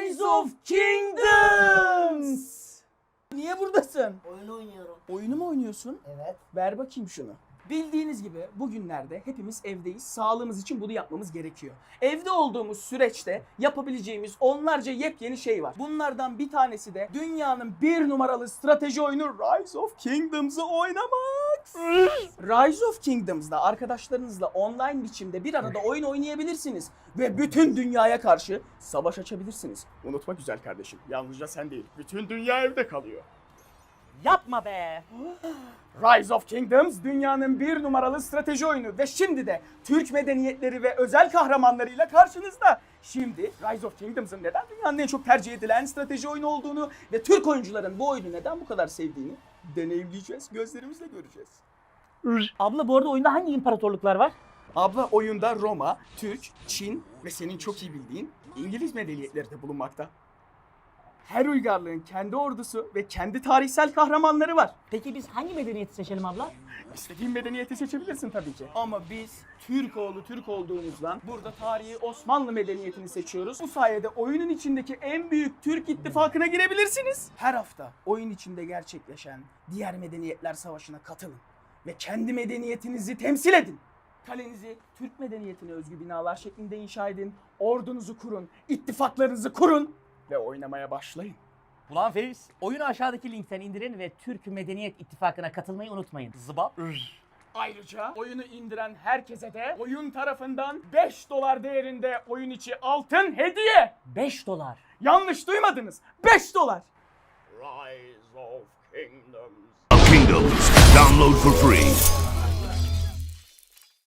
Rise of Kingdoms! Niye buradasın? Oyun oynuyorum. Oyunu mu oynuyorsun? Evet. Ver bakayım şunu. Bildiğiniz gibi bugünlerde hepimiz evdeyiz. Sağlığımız için bunu yapmamız gerekiyor. Evde olduğumuz süreçte yapabileceğimiz onlarca yepyeni şey var. Bunlardan bir tanesi de dünyanın bir numaralı strateji oyunu Rise of Kingdoms'ı oynamak. Rise of Kingdoms'da arkadaşlarınızla online biçimde bir arada oyun oynayabilirsiniz. Ve bütün dünyaya karşı savaş açabilirsiniz. Unutma güzel kardeşim, yalnızca sen değil, bütün dünya evde kalıyor. Yapma be. Rise of Kingdoms dünyanın bir numaralı strateji oyunu ve şimdi de Türk medeniyetleri ve özel kahramanlarıyla karşınızda. Şimdi Rise of Kingdoms'ın neden dünyanın en çok tercih edilen strateji oyunu olduğunu ve Türk oyuncuların bu oyunu neden bu kadar sevdiğini deneyimleyeceğiz, gözlerimizle göreceğiz. Abla bu arada oyunda hangi imparatorluklar var? Abla oyunda Roma, Türk, Çin ve senin çok iyi bildiğin İngiliz medeniyetleri de bulunmakta. Her uygarlığın kendi ordusu ve kendi tarihsel kahramanları var. Peki biz hangi medeniyeti seçelim abla? İstediğin medeniyeti seçebilirsin tabii ki. Ama biz Türk olduğumuzdan burada tarihi Osmanlı medeniyetini seçiyoruz. Bu sayede oyunun içindeki en büyük Türk ittifakına girebilirsiniz. Her hafta oyun içinde gerçekleşen diğer medeniyetler savaşına katılın. Ve kendi medeniyetinizi temsil edin. Kalenizi Türk medeniyetine özgü binalar şeklinde inşa edin. Ordunuzu kurun, ittifaklarınızı kurun ve oynamaya başlayın. Ulan Feriz, oyunu aşağıdaki linkten indirin ve Türk Medeniyet İttifakı'na katılmayı unutmayın. Zıbap. Ayrıca oyunu indiren herkese de oyun tarafından $5 değerinde oyun içi altın hediye. $5. Yanlış duymadınız. $5. Rise of Kingdoms. Download for free.